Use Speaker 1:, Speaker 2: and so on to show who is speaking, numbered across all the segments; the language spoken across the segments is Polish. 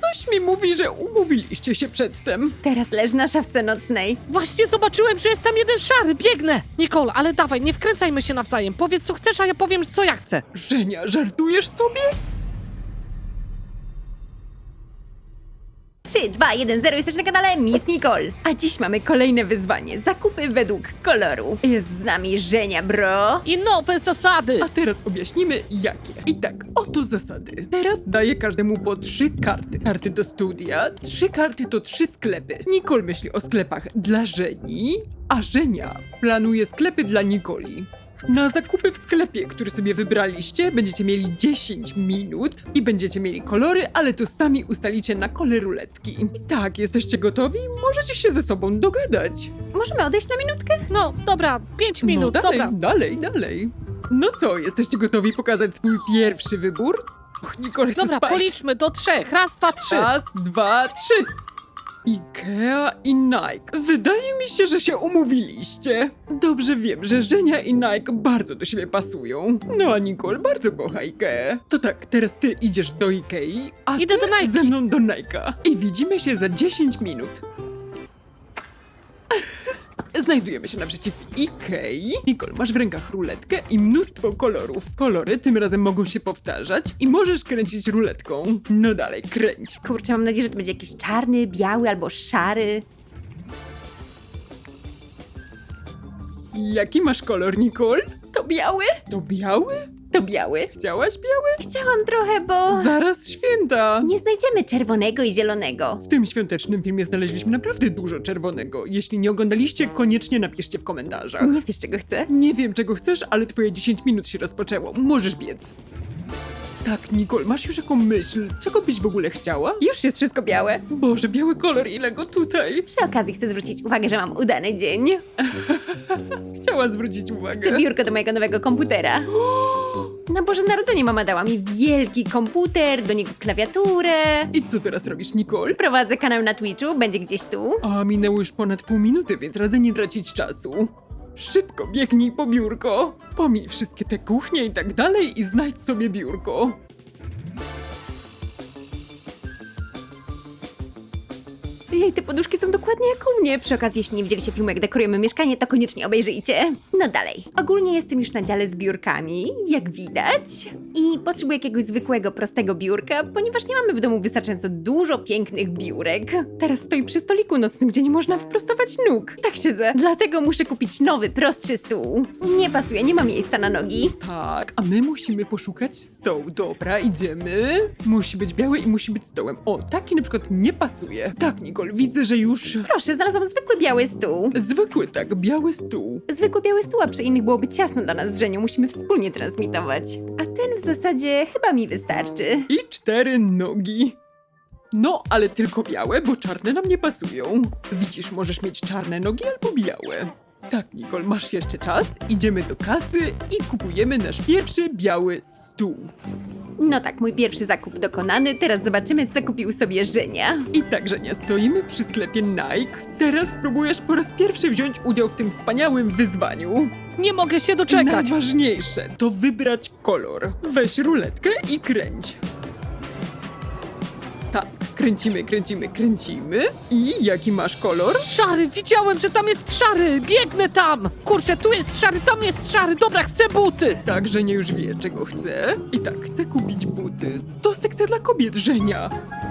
Speaker 1: Coś mi mówi, że umówiliście się przedtem.
Speaker 2: Teraz leż na szafce nocnej.
Speaker 3: Właśnie zobaczyłem, że jest tam jeden szary, biegnę! Nicole, ale dawaj, nie wkręcajmy się nawzajem. Powiedz co chcesz, a ja powiem co ja chcę.
Speaker 1: Żenia, żartujesz sobie?
Speaker 2: 3, 2, 1, 0, jesteś na kanale Miss Nicole. A dziś mamy kolejne wyzwanie. Zakupy według koloru. Jest z nami Żenia, bro.
Speaker 3: I nowe zasady!
Speaker 1: A teraz objaśnimy jakie. I tak, oto zasady. Teraz daję każdemu po 3 karty. Karty do studia, 3 karty to 3 sklepy. Nicole myśli o sklepach dla Żeni, a Żenia planuje sklepy dla Nikoli. Na zakupy w sklepie, który sobie wybraliście, będziecie mieli 10 minut i będziecie mieli kolory, ale to sami ustalicie na kole ruletki. I tak, jesteście gotowi? Możecie się ze sobą dogadać.
Speaker 2: Możemy odejść na minutkę?
Speaker 3: No, dobra, 5 minut,
Speaker 1: no dalej,
Speaker 3: dobra.
Speaker 1: dalej. No co, jesteście gotowi pokazać swój pierwszy wybór? Och, Nicole chce
Speaker 3: Dobra,
Speaker 1: spać.
Speaker 3: policzmy do 3. Raz, dwa, 3.
Speaker 1: Raz, dwa, 3. Ikea i Nike. Wydaje mi się, że się umówiliście. Dobrze wiem, że Żenia i Nike bardzo do siebie pasują. No a Nicole bardzo kocha Ikea. To tak, teraz ty idziesz do Ikei, a
Speaker 3: Idę
Speaker 1: ty
Speaker 3: do Nike.
Speaker 1: ze mną do Nike'a. I widzimy się za 10 minut. Znajdujemy się naprzeciw Ikei. Nicole, masz w rękach ruletkę i mnóstwo kolorów. Kolory tym razem mogą się powtarzać i możesz kręcić ruletką. No dalej, kręć.
Speaker 2: Kurczę, mam nadzieję, że to będzie jakiś czarny, biały albo szary.
Speaker 1: Jaki masz kolor, Nicole?
Speaker 2: To biały?
Speaker 1: To biały?
Speaker 2: To biały.
Speaker 1: Chciałaś biały?
Speaker 2: Chciałam trochę, bo
Speaker 1: Zaraz święta!
Speaker 2: nie znajdziemy czerwonego i zielonego.
Speaker 1: W tym świątecznym filmie znaleźliśmy naprawdę dużo czerwonego. Jeśli nie oglądaliście, koniecznie napiszcie w komentarzach.
Speaker 2: Nie wiesz, czego chcę?
Speaker 1: Nie wiem, czego chcesz, ale twoje 10 minut się rozpoczęło. Możesz biec. Tak, Nicole, masz już jaką myśl? Czego byś w ogóle chciała?
Speaker 2: Już jest wszystko białe.
Speaker 1: Boże, biały kolor, ile go tutaj!
Speaker 2: Przy okazji chcę zwrócić uwagę, że mam udany dzień.
Speaker 1: Chciała zwrócić uwagę.
Speaker 2: Chcę biurko do mojego nowego komputera. Na Boże Narodzenie mama dała mi wielki komputer, do niego klawiaturę.
Speaker 1: I co teraz robisz, Nicole?
Speaker 2: Prowadzę kanał na Twitchu, będzie gdzieś tu.
Speaker 1: A minęło już ponad pół minuty, więc radzę nie tracić czasu. Szybko biegnij po biurko. Pomij wszystkie te kuchnie i tak dalej i znajdź sobie biurko.
Speaker 2: Jej, te poduszki są dokładnie jak u mnie. Przy okazji, jeśli nie widzieliście filmu, jak dekorujemy mieszkanie, to koniecznie obejrzyjcie. No dalej. Ogólnie jestem już na dziale z biurkami, jak widać. I potrzebuję jakiegoś zwykłego, prostego biurka, ponieważ nie mamy w domu wystarczająco dużo pięknych biurek. Teraz stoi przy stoliku nocnym, gdzie nie można wyprostować nóg. Tak siedzę. Dlatego muszę kupić nowy, prostszy stół. Nie pasuje, nie ma miejsca na nogi.
Speaker 1: Tak, a my musimy poszukać stołu. Dobra, idziemy. Musi być biały i musi być stołem. O, taki na przykład nie pasuje. Tak, Nicole, widzę, że już...
Speaker 2: Proszę, znalazłam zwykły biały stół.
Speaker 1: Zwykły, tak, biały stół.
Speaker 2: Zwykły biały stół, a przy innych byłoby ciasno dla nas z Żenią. Musimy wspólnie transmitować. A ten w zasadzie chyba mi wystarczy.
Speaker 1: I 4 nogi. No, ale tylko białe, bo czarne nam nie pasują. Widzisz, możesz mieć czarne nogi albo białe. Tak, Nicole, masz jeszcze czas. Idziemy do kasy i kupujemy nasz pierwszy biały stół.
Speaker 2: No tak, mój pierwszy zakup dokonany. Teraz zobaczymy, co kupił sobie Żenia.
Speaker 1: I tak, Żenia, stoimy przy sklepie Nike. Teraz spróbujesz po raz pierwszy wziąć udział w tym wspaniałym wyzwaniu.
Speaker 3: Nie mogę się doczekać.
Speaker 1: Najważniejsze to wybrać kolor. Weź ruletkę i kręć. Tak, kręcimy. I jaki masz kolor?
Speaker 3: Szary, widziałem, że tam jest szary. Biegnę tam. Kurczę, tu jest szary, tam jest szary. Dobra, chcę buty.
Speaker 1: Tak, Żenia już wie, czego chce. I tak, chce kupić buty. To sekcja dla kobiet, Żenia.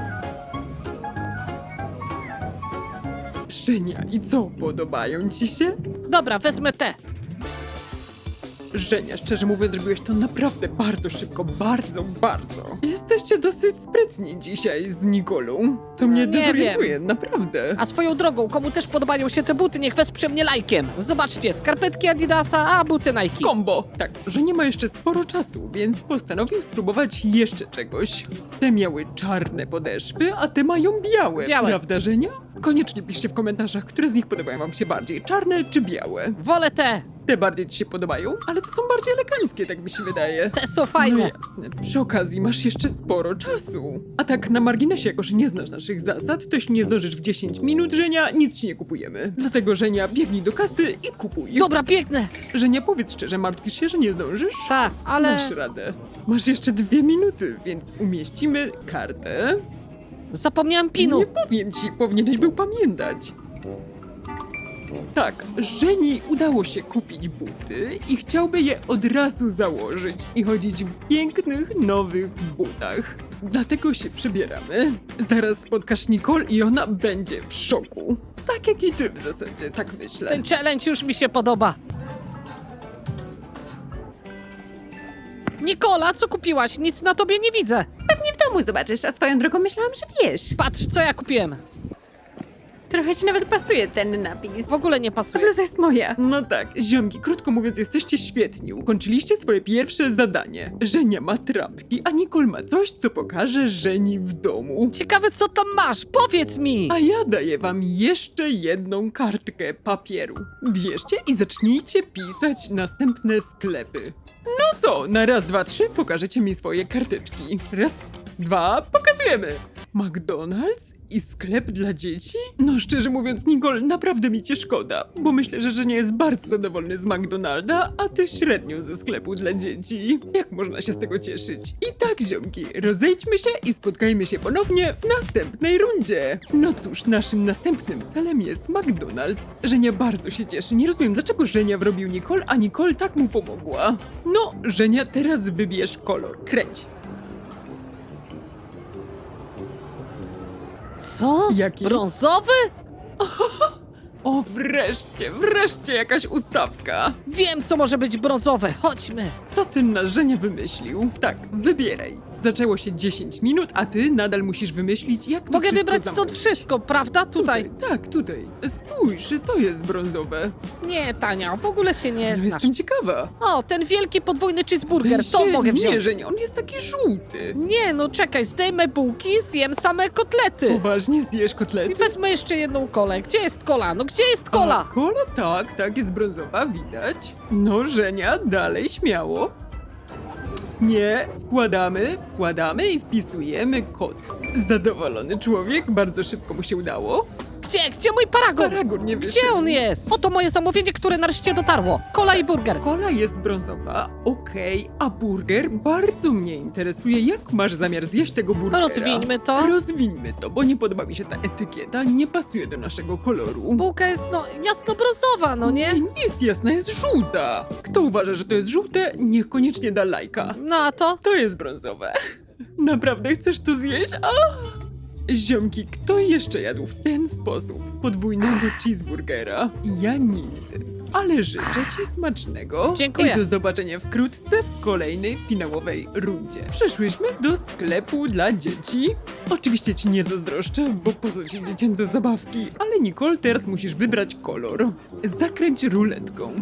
Speaker 1: Żenia, i co, podobają ci się?
Speaker 3: Dobra, wezmę te.
Speaker 1: Żenia, szczerze mówiąc, zrobiłeś to naprawdę bardzo szybko, bardzo. Jesteście dosyć sprytni dzisiaj z Nikolą. To mnie
Speaker 3: Nie
Speaker 1: dezorientuje, naprawdę.
Speaker 3: A swoją drogą, komu też podobają się te buty, niech wesprze mnie lajkiem. Zobaczcie, skarpetki Adidasa, a buty Nike.
Speaker 1: Kombo! Tak, że nie ma jeszcze sporo czasu, więc postanowił spróbować jeszcze czegoś. Te miały czarne podeszwy, a te mają białe.
Speaker 3: Białe.
Speaker 1: Prawda, Żenia? Koniecznie piszcie w komentarzach, które z nich podobają wam się bardziej, czarne czy białe.
Speaker 3: Wolę te.
Speaker 1: Te bardziej ci się podobają, ale to są bardziej eleganckie, tak mi się wydaje.
Speaker 3: Te są
Speaker 1: No
Speaker 3: fajne.
Speaker 1: jasne, przy okazji masz jeszcze sporo czasu. A tak na marginesie, jako że nie znasz naszych zasad, to jeśli nie zdążysz w 10 minut, Żenia, nic ci nie kupujemy. Dlatego, Żenia, biegnij do kasy i kupuj.
Speaker 3: Dobra, biegnę.
Speaker 1: Żenia, powiedz szczerze, martwisz się, że nie zdążysz?
Speaker 3: Tak, ale...
Speaker 1: Masz radę. Masz jeszcze 2 minuty, więc umieścimy kartę.
Speaker 3: Zapomniałem pinu.
Speaker 1: Nie powiem ci, powinieneś był pamiętać. Tak, Żeni udało się kupić buty i chciałby je od razu założyć i chodzić w pięknych, nowych butach. Dlatego się przebieramy. Zaraz spotkasz Nicole i ona będzie w szoku. Tak jak i ty w zasadzie, tak myślę.
Speaker 3: Ten challenge już mi się podoba. Nikola, co kupiłaś? Nic na tobie nie widzę.
Speaker 2: Pewnie w domu zobaczysz, a swoją drogą myślałam, że wiesz.
Speaker 3: Patrz, co ja kupiłem.
Speaker 2: Trochę ci nawet pasuje ten napis.
Speaker 3: W ogóle nie
Speaker 2: Ta
Speaker 3: pasuje.
Speaker 2: bluza jest moja.
Speaker 1: No tak, ziomki, krótko mówiąc, jesteście świetni. Ukończyliście swoje pierwsze zadanie. Żenia ma trampki, a Nicole ma coś, co pokaże Żeni w domu.
Speaker 3: Ciekawe, co tam masz? Powiedz mi.
Speaker 1: A ja daję wam jeszcze jedną kartkę papieru. Bierzcie i zacznijcie pisać następne sklepy. No co, na raz, dwa, trzy pokażecie mi swoje karteczki. Raz, dwa, pokazujemy. McDonald's i sklep dla dzieci? No szczerze mówiąc, Nicole, naprawdę mi cię szkoda, bo myślę, że nie jest bardzo zadowolony z McDonalda, a ty średnio ze sklepu dla dzieci. Jak można się z tego cieszyć? I tak, ziomki, rozejdźmy się i spotkajmy się ponownie w następnej rundzie. No cóż, naszym następnym celem jest McDonald's. Żenia bardzo się cieszy. Nie rozumiem, dlaczego Żenia wrobił Nicole, a Nicole tak mu pomogła. No, Żenia, teraz wybierz kolor. Kręć.
Speaker 3: Co?
Speaker 1: Jaki?
Speaker 3: Brązowy?
Speaker 1: O, wreszcie jakaś ustawka.
Speaker 3: Wiem, co może być brązowe. Chodźmy.
Speaker 1: Co ten nasz Żenia wymyślił? Tak, wybieraj. Zaczęło się 10 minut, a ty nadal musisz wymyślić, jak to
Speaker 3: Mogę
Speaker 1: wszystko
Speaker 3: wybrać stąd
Speaker 1: zamówić.
Speaker 3: wszystko, prawda? Tutaj.
Speaker 1: Tak, tutaj. Spójrz, to jest brązowe.
Speaker 3: Nie, Tania, w ogóle się nie
Speaker 1: No,
Speaker 3: znasz.
Speaker 1: jestem ciekawa.
Speaker 3: O, ten wielki podwójny cheeseburger,
Speaker 1: W sensie,
Speaker 3: to mogę
Speaker 1: Nie,
Speaker 3: wziąć.
Speaker 1: Żenia, on jest taki żółty.
Speaker 3: Nie, no czekaj, zdejmę bułki, zjem same kotlety.
Speaker 1: Poważnie zjesz
Speaker 3: I
Speaker 1: kotlety?
Speaker 3: wezmę jeszcze jedną kolę. Gdzie jest kola? No gdzie jest kola?
Speaker 1: A, kola, tak, jest brązowa, widać. No, Żenia, dalej śmiało. Nie, wkładamy i wpisujemy kod. Zadowolony człowiek, bardzo szybko mu się udało.
Speaker 3: Gdzie mój paragon?
Speaker 1: Paragon nie wyszedł.
Speaker 3: Gdzie on jest? Oto moje zamówienie, które nareszcie dotarło. Kola i burger.
Speaker 1: Kola jest brązowa, okej, a burger bardzo mnie interesuje. Jak masz zamiar zjeść tego burgera?
Speaker 3: Rozwińmy to.
Speaker 1: Rozwińmy to, bo nie podoba mi się ta etykieta, nie pasuje do naszego koloru.
Speaker 3: Bułka jest, no, jasno-brązowa, no nie?
Speaker 1: Nie jest jasna, jest żółta. Kto uważa, że to jest żółte, niech koniecznie da lajka.
Speaker 3: No a to?
Speaker 1: To jest brązowe. Naprawdę chcesz to zjeść? Ziomki, kto jeszcze jadł w ten sposób podwójnego cheeseburgera? Ja nigdy. Ale życzę ci smacznego.
Speaker 3: Dziękuję.
Speaker 1: I do zobaczenia wkrótce w kolejnej finałowej rundzie. Przeszłyśmy do sklepu dla dzieci. Oczywiście ci nie zazdroszczę, bo po co ci dziecięce zabawki? Ale Nicole, teraz musisz wybrać kolor. Zakręć ruletką.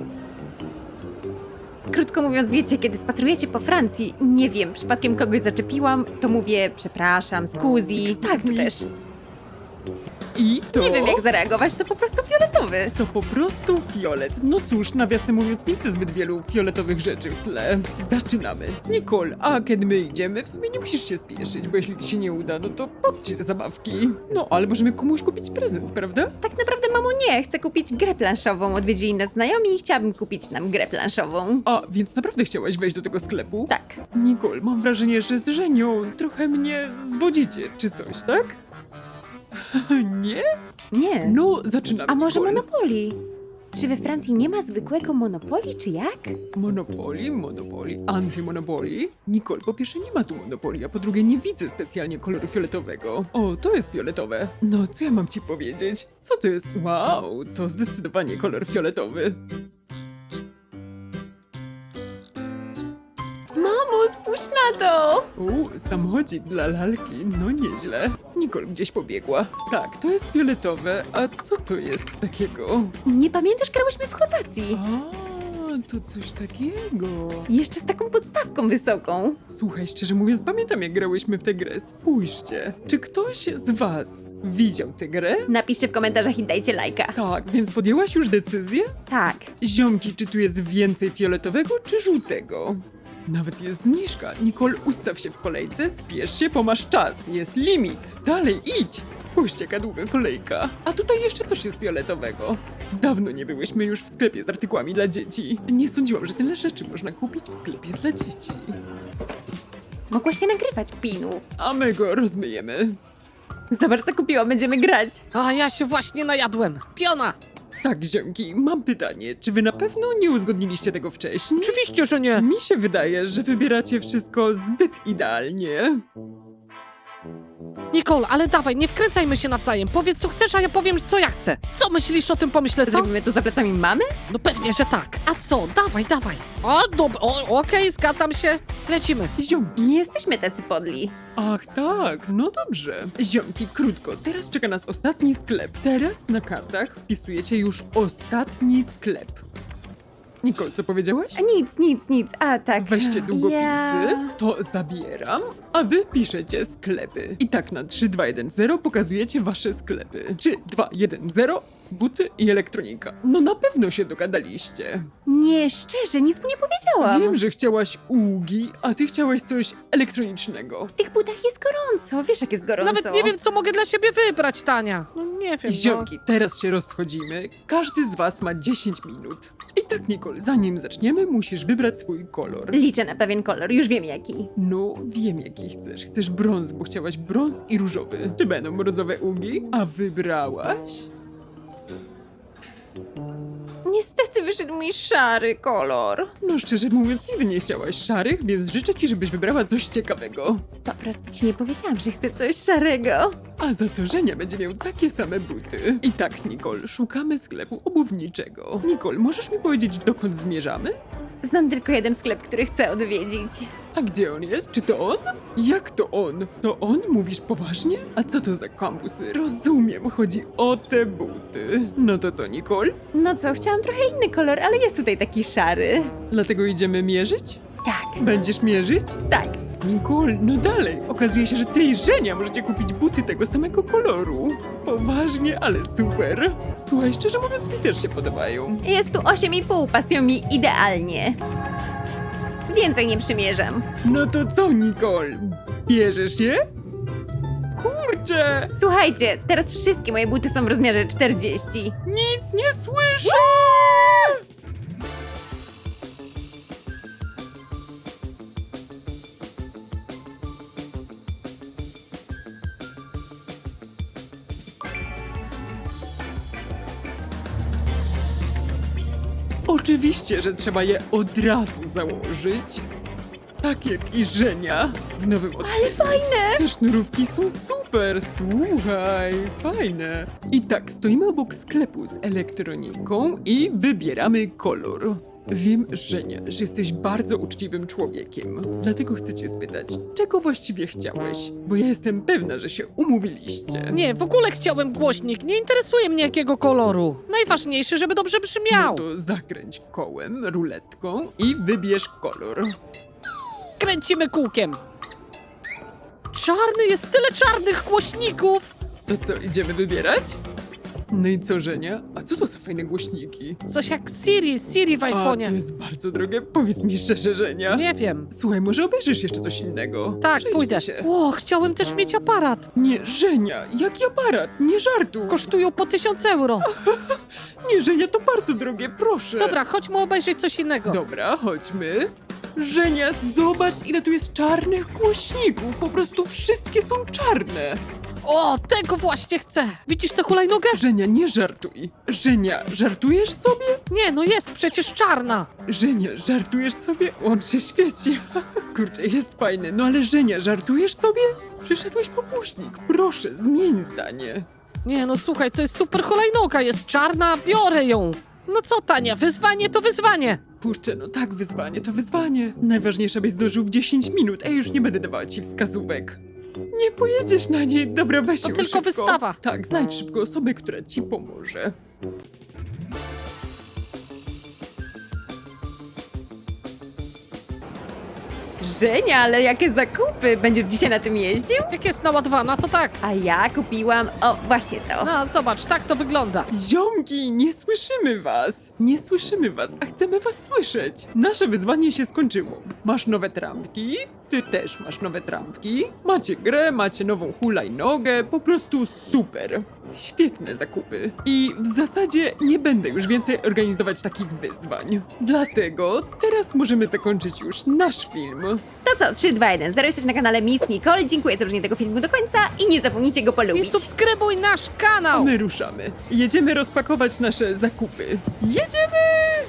Speaker 2: Krótko mówiąc, wiecie, kiedy spacerujecie po Francji, nie wiem, przypadkiem kogoś zaczepiłam, to mówię przepraszam, scusi, tak
Speaker 1: me.
Speaker 2: też.
Speaker 1: I to...
Speaker 2: Nie wiem jak zareagować, to po prostu fioletowy.
Speaker 1: To po prostu fiolet. No cóż, nawiasem mówiąc, nie chcę zbyt wielu fioletowych rzeczy w tle. Zaczynamy. Nicole, a kiedy my idziemy, w sumie nie musisz się spieszyć, bo jeśli ci się nie uda, no to po co ci te zabawki? No, ale możemy komuś kupić prezent, prawda?
Speaker 2: Tak naprawdę, mamo, nie, chcę kupić grę planszową, odwiedzili nas znajomi i chciałabym kupić nam grę planszową.
Speaker 1: A, więc naprawdę chciałaś wejść do tego sklepu?
Speaker 2: Tak.
Speaker 1: Nicole, mam wrażenie, że z Żenią trochę mnie zwodzicie, czy coś, tak? Nie?
Speaker 2: Nie.
Speaker 1: No, zaczynamy.
Speaker 2: A może
Speaker 1: Nicole.
Speaker 2: Monopoly? Czy we Francji nie ma zwykłego Monopoly, czy jak?
Speaker 1: Monopoly, antymonopoly. Nicole, po pierwsze nie ma tu Monopoly, a po drugie nie widzę specjalnie koloru fioletowego. O, to jest fioletowe. No, co ja mam ci powiedzieć? Co to jest? Wow, to zdecydowanie kolor fioletowy.
Speaker 2: Mamo, spójrz na to!
Speaker 1: Samochodzik dla lalki, no nieźle. Nicole gdzieś pobiegła. Tak, to jest fioletowe, a co to jest takiego?
Speaker 2: Nie pamiętasz, grałyśmy w Chorwacji?
Speaker 1: A, to coś takiego.
Speaker 2: Jeszcze z taką podstawką wysoką.
Speaker 1: Słuchaj, szczerze mówiąc, pamiętam jak grałyśmy w tę grę. Spójrzcie. Czy ktoś z was widział tę grę?
Speaker 2: Napiszcie w komentarzach i dajcie lajka.
Speaker 1: Tak, więc podjęłaś już decyzję?
Speaker 2: Tak.
Speaker 1: Ziomki, czy tu jest więcej fioletowego, czy żółtego? Nawet jest zniżka. Nicole, ustaw się w kolejce, spiesz się, bo masz czas. Jest limit. Dalej, idź. Spójrzcie, jaka długa kolejka. A tutaj jeszcze coś jest fioletowego. Dawno nie byłyśmy już w sklepie z artykułami dla dzieci. Nie sądziłam, że tyle rzeczy można kupić w sklepie dla dzieci.
Speaker 2: Mogłaś nie nagrywać pinu.
Speaker 1: A my go rozmyjemy.
Speaker 2: Zobacz, co kupiłam, będziemy grać.
Speaker 3: A ja się właśnie najadłem. Piona!
Speaker 1: Tak, ziomki, mam pytanie. Czy wy na pewno nie uzgodniliście tego wcześniej?
Speaker 3: Oczywiście, że nie.
Speaker 1: Mi się wydaje, że wybieracie wszystko zbyt idealnie.
Speaker 3: Nicole, ale dawaj, nie wkręcajmy się nawzajem. Powiedz, co chcesz, a ja powiem, co ja chcę. Co myślisz o tym pomyśle, co?
Speaker 2: Zrobimy to za plecami mamy?
Speaker 3: No pewnie, że tak. A co? Dawaj, dawaj. O, dobra, okej, zgadzam się. Lecimy.
Speaker 1: Ziomki.
Speaker 2: Nie jesteśmy tacy podli.
Speaker 1: Ach tak, no dobrze. Ziomki, krótko, teraz czeka nas ostatni sklep. Teraz na kartach wpisujecie już ostatni sklep. Nicole, co powiedziałaś?
Speaker 2: A nic. A tak.
Speaker 1: Weźcie długopisy,
Speaker 2: Ja...
Speaker 1: to zabieram, a wy piszecie sklepy. I tak na 3, 2, 1, 0 pokazujecie wasze sklepy. 3, 2, 1, 0, buty i elektronika. No na pewno się dogadaliście.
Speaker 2: Nie, szczerze, nic mu nie powiedziałam.
Speaker 1: Wiem, że chciałaś Ugi, a ty chciałaś coś elektronicznego.
Speaker 2: W tych butach jest gorąco, wiesz jak jest gorąco.
Speaker 3: Nawet nie wiem, co mogę dla siebie wybrać, Tania. No nie wiem, no.
Speaker 1: Ziomki, teraz się rozchodzimy. Każdy z was ma 10 minut. I tak, Nicole, zanim zaczniemy, musisz wybrać swój kolor.
Speaker 2: Liczę na pewien kolor, już wiem jaki.
Speaker 1: No, wiem jaki chcesz. Chcesz brąz, bo chciałaś brąz i różowy. Czy będą brązowe ugi? A wybrałaś?
Speaker 2: Niestety wyszedł mi szary kolor.
Speaker 1: No szczerze mówiąc, nigdy nie chciałaś szarych, więc życzę ci, żebyś wybrała coś ciekawego.
Speaker 2: Po prostu ci nie powiedziałam, że chcę coś szarego.
Speaker 1: A za to Żenia będzie miał takie same buty. I tak, Nicole, szukamy sklepu obuwniczego. Nicole, możesz mi powiedzieć, dokąd zmierzamy?
Speaker 2: Znam tylko jeden sklep, który chcę odwiedzić.
Speaker 1: A gdzie on jest? Czy to on? Jak to on? To on? Mówisz poważnie? A co to za kampusy? Rozumiem, chodzi o te buty. No to co, Nicole?
Speaker 2: No co, chciałam trochę inny kolor, ale jest tutaj taki szary.
Speaker 1: Dlatego idziemy mierzyć?
Speaker 2: Tak,
Speaker 1: Będziesz mierzyć?
Speaker 2: tak.
Speaker 1: Nicole, no dalej. Okazuje się, że ty i Żenia możecie kupić buty tego samego koloru. Poważnie, ale super. Słuchaj, szczerze mówiąc, mi też się podobają.
Speaker 2: Jest tu 8,5, pasują mi idealnie. Więcej nie przymierzam.
Speaker 1: No to co, Nicole? Bierzesz je? Kurczę!
Speaker 2: Słuchajcie, teraz wszystkie moje buty są w rozmiarze 40.
Speaker 1: Nic nie słyszę! Oczywiście, że trzeba je od razu założyć. Tak jak i Żenia w nowym odcinku.
Speaker 2: Ale fajne!
Speaker 1: Te sznurówki są super, słuchaj, fajne. I tak, stoimy obok sklepu z elektroniką i wybieramy kolor. Wiem, Żenia, że jesteś bardzo uczciwym człowiekiem. Dlatego chcę cię spytać, czego właściwie chciałeś? Bo ja jestem pewna, że się umówiliście.
Speaker 3: Nie, w ogóle chciałem głośnik. Nie interesuje mnie jakiego koloru. Najważniejsze, żeby dobrze
Speaker 1: No
Speaker 3: brzmiał.
Speaker 1: to zakręć kołem, ruletką i wybierz kolor.
Speaker 3: Kręcimy kółkiem. Czarny, jest tyle czarnych głośników.
Speaker 1: To co, idziemy wybierać? No i co, Żenia? A co to za fajne głośniki?
Speaker 3: Coś jak Siri w
Speaker 1: A, to
Speaker 3: iPhone'ie.
Speaker 1: jest bardzo drogie. Powiedz mi szczerze, Żenia.
Speaker 3: Nie wiem.
Speaker 1: Słuchaj, może obejrzysz jeszcze coś innego?
Speaker 3: Tak,
Speaker 1: Przejdźmy
Speaker 3: pójdę.
Speaker 1: się.
Speaker 3: O, chciałem też mieć aparat.
Speaker 1: Nie, Żenia, jaki aparat? Nie żartuj.
Speaker 3: Kosztują po 1000 euro.
Speaker 1: Nie, Żenia, to bardzo drogie, proszę.
Speaker 3: Dobra, chodźmy obejrzeć coś innego.
Speaker 1: Dobra, chodźmy. Żenia, zobacz, ile tu jest czarnych głośników. Po prostu wszystkie są czarne.
Speaker 3: O, tego właśnie chcę. Widzisz tę hulajnogę?
Speaker 1: Żenia, nie żartuj. Żenia, żartujesz sobie?
Speaker 3: Nie, no jest przecież czarna.
Speaker 1: Żenia, żartujesz sobie? On się świeci. Kurczę, jest fajny. No ale Żenia, żartujesz sobie? Przyszedłeś po głośnik. Proszę, zmień zdanie.
Speaker 3: Nie, no słuchaj, to jest super hulajnoga, jest czarna, biorę ją. No co, Tania, wyzwanie to wyzwanie.
Speaker 1: Kurczę, no tak, wyzwanie to wyzwanie. Najważniejsze, byś zdążył w 10 minut, a już nie będę dawała ci wskazówek. Nie pojedziesz na niej. Dobra, weź
Speaker 3: To
Speaker 1: ją
Speaker 3: tylko
Speaker 1: szybko.
Speaker 3: wystawa.
Speaker 1: Tak, znajdź szybko osobę, która ci pomoże.
Speaker 2: Żenia, ale jakie zakupy! Będziesz dzisiaj na tym jeździł?
Speaker 3: Jak jest naładowana, to tak.
Speaker 2: A ja kupiłam, o, właśnie to.
Speaker 3: No, zobacz, tak to wygląda.
Speaker 1: Ziomki, nie słyszymy was! Nie słyszymy was, a chcemy was słyszeć. Nasze wyzwanie się skończyło. Masz nowe trampki, Ty też masz nowe trampki, macie grę, macie nową hulajnogę, po prostu super. Świetne zakupy. I w zasadzie nie będę już więcej organizować takich wyzwań. Dlatego teraz możemy zakończyć już nasz film.
Speaker 2: To co, 3, 2, 1, 0, jesteś na kanale Miss Nicole, dziękuję za obejrzenie tego filmu do końca i nie zapomnijcie go
Speaker 3: I
Speaker 2: polubić.
Speaker 3: subskrybuj nasz kanał!
Speaker 1: My ruszamy. Jedziemy rozpakować nasze zakupy. Jedziemy!